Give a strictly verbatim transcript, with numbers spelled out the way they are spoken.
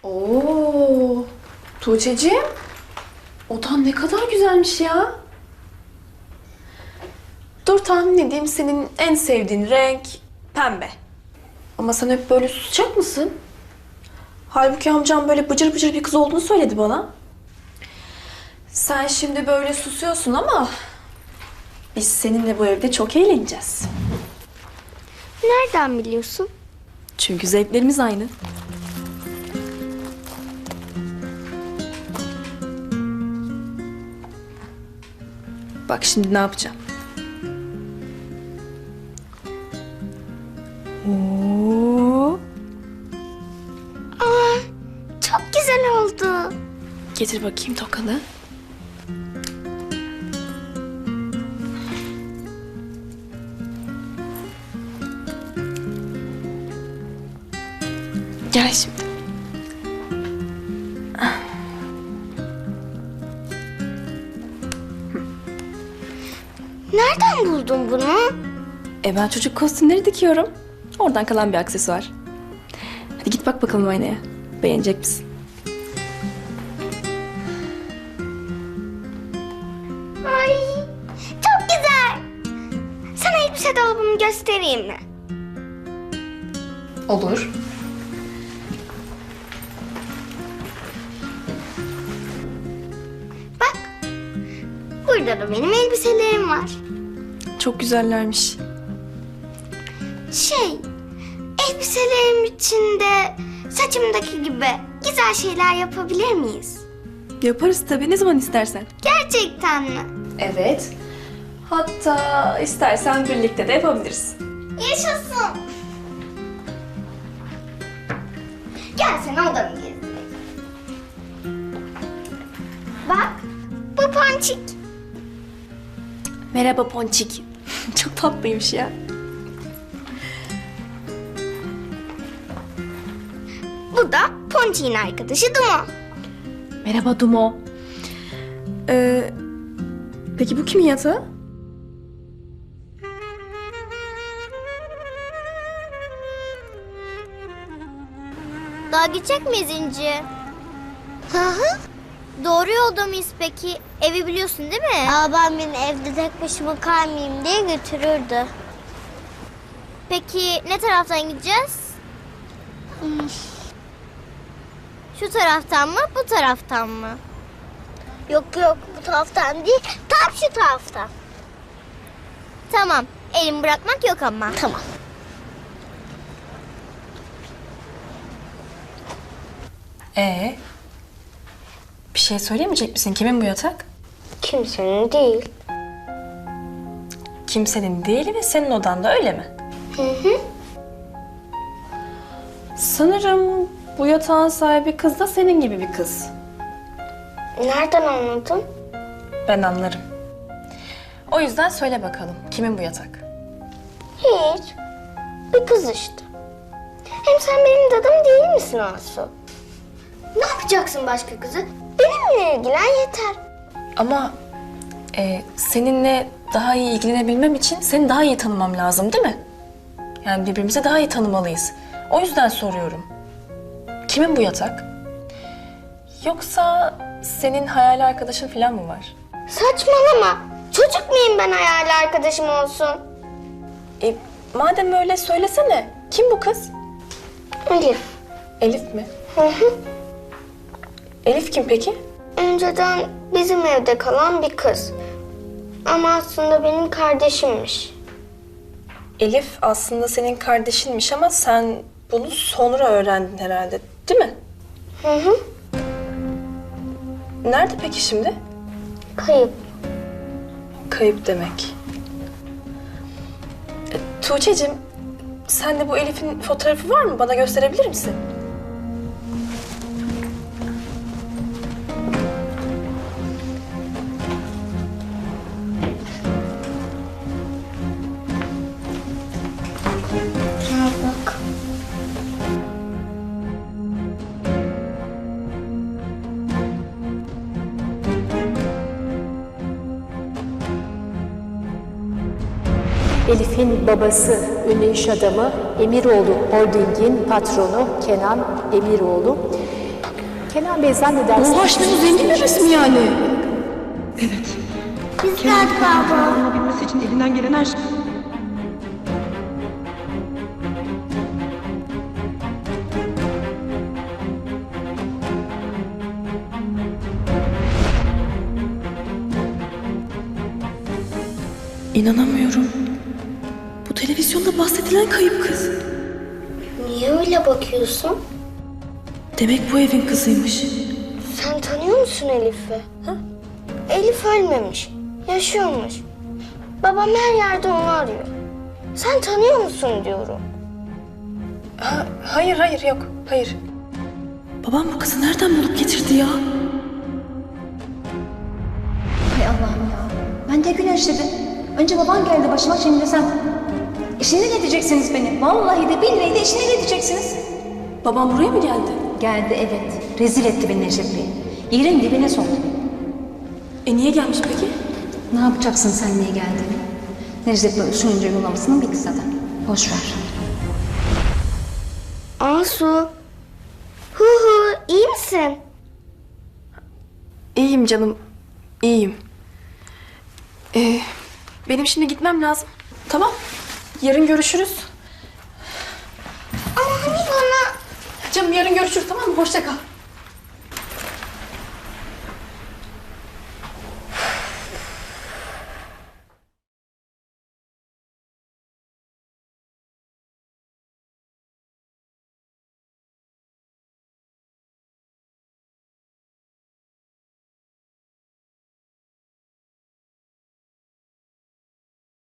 Oo, Tuğçe'ciğim, odan ne kadar güzelmiş ya. Dur tahmin edeyim, senin en sevdiğin renk pembe. Ama sen hep böyle susacak mısın? Halbuki amcam böyle bıcır bıcır bir kız olduğunu söyledi bana. Sen şimdi böyle susuyorsun ama biz seninle bu evde çok eğleneceğiz. Nereden biliyorsun? Çünkü zevklerimiz aynı. Bak şimdi ne yapacağım. Oo. Aa, çok güzel oldu. Getir bakayım tokanı. Gel şimdi. Nereden buldun bunu? E ben çocuk kostümleri dikiyorum. Oradan kalan bir aksesuar. Hadi git bak bakalım aynaya. Beğenecek misin? Ay, çok güzel. Sana elbise dolabımı göstereyim mi? Olur. Bak, burada da benim elbiselerim var. Çok güzellermiş. Şey, elbiselerim içinde saçımdaki gibi güzel şeyler yapabilir miyiz? Yaparız tabii, ne zaman istersen. Gerçekten mi? Evet. Hatta istersen birlikte de yapabiliriz. Yaşasın. Gel sen odamı gezdireyim. Bak, bu Ponçik. Merhaba Ponçik. Çok tatlıymış ya. Bu da Ponçik'in arkadaşı Dumo. Merhaba Dumo. Ee, peki bu kimin yatağı? Daha gidecek miyiz İnci? Hı hı. Doğru yolda mıyız peki? Evi biliyorsun değil mi? Babam beni evde tek başıma kalmayayım diye götürürdü. Peki ne taraftan gideceğiz? Şu taraftan mı, bu taraftan mı? Yok yok, bu taraftan değil, tam şu taraftan. Tamam, elimi bırakmak yok ama. Tamam. Ee, bir şey söyleyemeyecek misin? Kimin bu yatak? Kimsenin değil. Kimsenin değil ve senin odanda, öyle mi? Hı hı. Sanırım bu yatağın sahibi kız da senin gibi bir kız. Nereden anladın? Ben anlarım. O yüzden söyle bakalım, kimin bu yatak? Hiç. Bir kız işte. Hem sen benim dadım değil misin Asu? Ne yapacaksın başka kızı? Benimle ilgilen yeter. Ama e, seninle daha iyi ilgilenebilmem için seni daha iyi tanımam lazım, değil mi? Yani birbirimizi daha iyi tanımalıyız. O yüzden soruyorum. Kimin bu yatak? Yoksa senin hayal arkadaşın falan mı var? Saçmalama. Çocuk muyum ben hayal arkadaşım olsun? E, madem öyle söylesene. Kim bu kız? Elif. Elif mi? Hı hı. Elif kim peki? Önceden bizim evde kalan bir kız. Ama aslında benim kardeşimmiş. Elif aslında senin kardeşinmiş ama sen bunu sonra öğrendin herhalde, değil mi? Hı hı. Nerede peki şimdi? Kayıp. Kayıp demek. E, Tuğçe'cim, sende bu Elif'in fotoğrafı var mı? Bana gösterebilir misin? Şuna bak. Elif'in babası, ünlü iş adamı Emiroğlu Holding'in patronu Kenan Emiroğlu. Kenan Bey zannedersin. Oha işte bu zengin bebesi mi yani? Evet. Biz geldik abla. Olabilmesi için elinden gelen her şey. İnanamıyorum. Bu televizyonda bahsedilen kayıp kız. Niye öyle bakıyorsun? Demek bu evin kızıymış. Sen tanıyor musun Elif'i? Ha? Elif ölmemiş, yaşıyormuş. Babam her yerde onu arıyor. Sen tanıyor musun diyorum. Ha, hayır hayır yok hayır. Babam bu kızı nereden bulup getirdi ya? Hay Allah'ım ya. Ben de güneşledim. Önce baban geldi başıma, şimdi de sen. İşine ne diyeceksiniz beni? Vallahi de billahi de işine ne diyeceksiniz? Babam buraya mı geldi? Geldi evet. Rezil etti beni Necdet Bey. Yerin dibine soktu. E niye gelmiş peki? Ne yapacaksın sen niye geldiğini? Necdet Bey usulünce yollamasının bitti zaten. Boş ver. Asu. Hu hu, iyi misin? İyiyim canım, iyiyim. Ee, benim şimdi gitmem lazım. Tamam, yarın görüşürüz. Ama hani bana... Canım yarın görüşürüz tamam mı? Hoşça kal.